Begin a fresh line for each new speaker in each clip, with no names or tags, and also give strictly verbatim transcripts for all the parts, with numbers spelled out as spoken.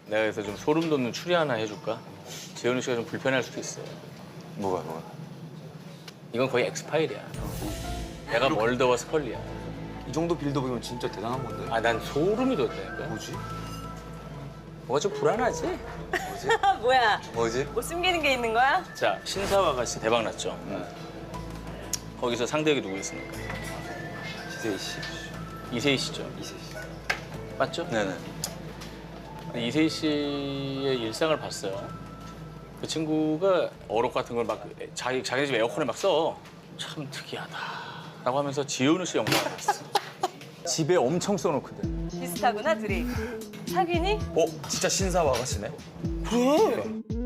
내가 그래서 좀 소름 돋는 추리 하나 해줄까? 재현우 씨가 좀 불편할 수도 있어.
뭐가 뭐가?
이건 거의 엑스파일이야. 내가 멀더와 스컬리야.
이 정도 빌드업이면 진짜 대단한 건데.
아, 난 소름이 돋다니까.
뭐지?
뭐가 좀 불안하지?
뭐지?
뭐야?
뭐지?
뭐 숨기는 게 있는 거야?
자, 신사와 같이 대박 났죠. 거기서 상대역이 누구 있습니까?
이세희 씨.
이세희 씨죠.
이세희 씨.
맞죠?
네네.
근데 이세희 씨의 일상을 봤어요. 그 친구가 어록 같은 걸 막 자기 자기 집 에어컨에 막 써. 참 특이하다. 라고 하면서 지현우 씨 영상을 봤어. 집에 엄청 써놓거든.
비슷하구나 둘이. 사귀니?
어? 진짜 신사와 같이네?
그래.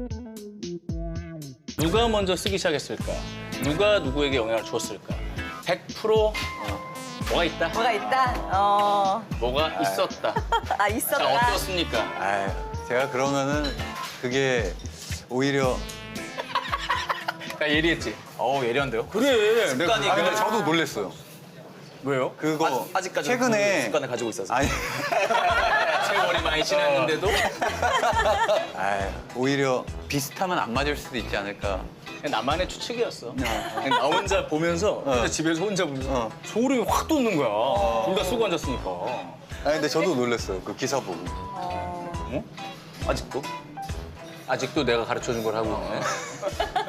누가 먼저 쓰기 시작했을까? 누가 누구에게 영향을 주었을까? 백 퍼센트 뭐가 있다.
뭐가 있다? 어.
뭐가 있었다.
아
자,
있었다.
어떻습니까?
아, 제가 그러면은 그게 오히려
나 예리했지?
어우 예리한데요?
그래.
습관이. 아, 근데 저도 놀랬어요.
왜요?
그거
아, 아직까지
최근에
습관을 가지고 있어서.
아니
세월이 많이 지났는데도
아, 오히려 비슷하면 안 맞을 수도 있지 않을까.
그냥 나만의 추측이었어. 그냥 나 혼자 보면서 혼자 집에서 혼자 보면서
어.
소름이 확 돋는 거야. 둘 다 쓰고 앉았으니까.
아니 근데 저도 놀랐어요. 그 기사 보고.
어?
아직도?
아직도 내가 가르쳐준 걸 하고 있네.